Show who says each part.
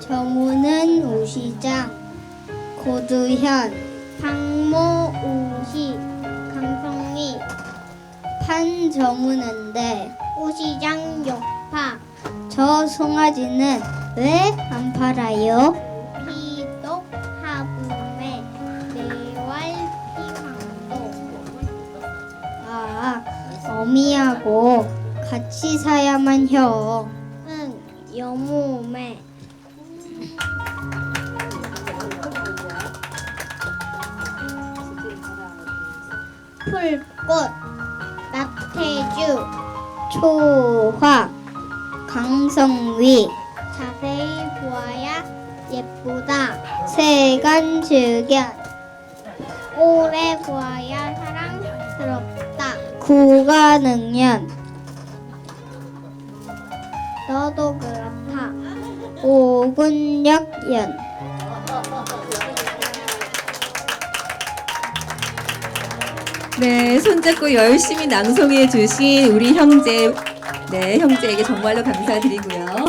Speaker 1: 정우는 우시장, 고두현, 상모 우시, 강성희, 판정우는데 우시장 욕파. 저 송아지는 왜 안 팔아요? 피독 하붐에 매월 피황도. 아, 어미하고 같이 사야만 혀. 응, 여무매. 풀꽃, 낙태주, 초화, 강성위. 자세히 보아야 예쁘다. 세간즉견. 오래 보아야 사랑스럽다. 구가능년. 너도 그렇다. 오군역연.
Speaker 2: 네, 손잡고 열심히 낭송해 주신 우리 형제, 네, 형제에게 정말로 감사드리고요.